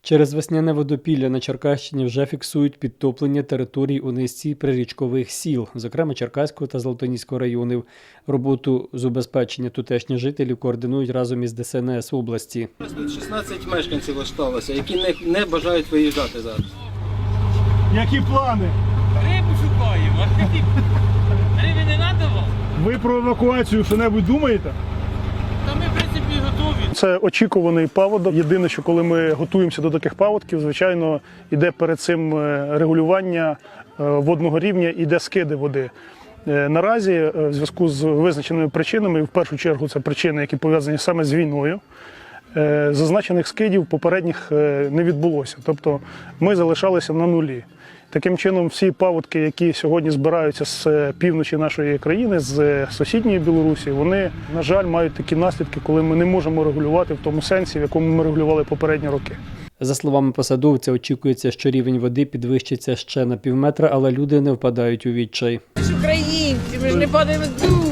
Через весняне водопілля на Черкащині вже фіксують підтоплення територій у низці прирічкових сіл, зокрема Черкаського та Золотоніського районів. Роботу з убезпечення тутешніх жителів координують разом із ДСНС області. Тут 16 мешканців залишилося, які не бажають виїжджати зараз. Які плани? Рибу шукаємо. Риби не треба вам? Ви про евакуацію що-небудь думаєте? Та ми, в принципі, готові. Це очікуваний паводок. Єдине, що коли ми готуємося до таких паводків, звичайно, йде перед цим регулювання водного рівня, іде скиди води. Наразі в зв'язку з визначеними причинами, в першу чергу це причини, які пов'язані саме з війною, зазначених скидів попередніх не відбулося. Тобто ми залишалися на нулі. Таким чином, всі паводки, які сьогодні збираються з півночі нашої країни, з сусідньої Білорусі, вони, на жаль, мають такі наслідки, коли ми не можемо регулювати в тому сенсі, в якому ми регулювали попередні роки. За словами посадовця, очікується, що рівень води підвищиться ще на півметра, але люди не впадають у відчай. Ми ж українці, ми ж не падаємо духу.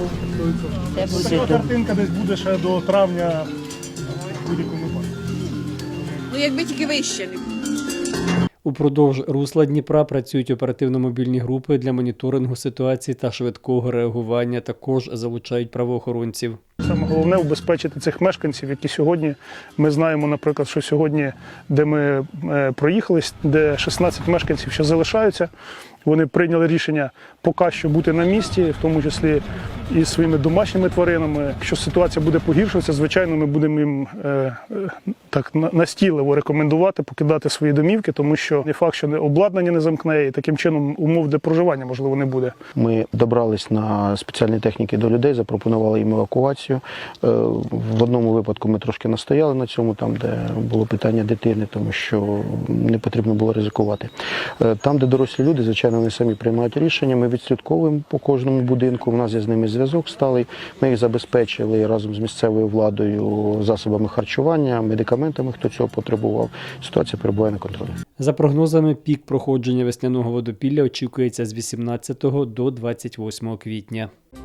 Така картинка десь буде ще до травня в будь-якому випадку. Ну якби тільки вище не було. Упродовж русла Дніпра працюють оперативно-мобільні групи для моніторингу ситуації та швидкого реагування. Також залучають правоохоронців. Саме головне – убезпечити цих мешканців, які сьогодні, ми знаємо, наприклад, що сьогодні, де ми проїхались, де 16 мешканців ще залишаються, вони прийняли рішення поки що бути на місці, в тому числі і своїми домашніми тваринами. Якщо ситуація буде погіршуватися, звичайно, ми будемо їм так настійливо рекомендувати покидати свої домівки, тому що не факт, що обладнання не замкне, і таким чином умов для проживання, можливо, не буде. Ми добрались на спеціальні техніки до людей, запропонували їм евакуацію. В одному випадку ми трошки настояли на цьому, там, де було питання дитини, тому що не потрібно було ризикувати. Там, де дорослі люди, звичайно, вони самі приймають рішення, ми відслідковуємо по кожному будинку, у нас є з ними зв'язок сталий, ми їх забезпечили разом з місцевою владою засобами харчування, медикаментами, хто цього потребував. Ситуація перебуває на контролі. За прогнозами, пік проходження весняного водопілля очікується з 18 до 28 квітня.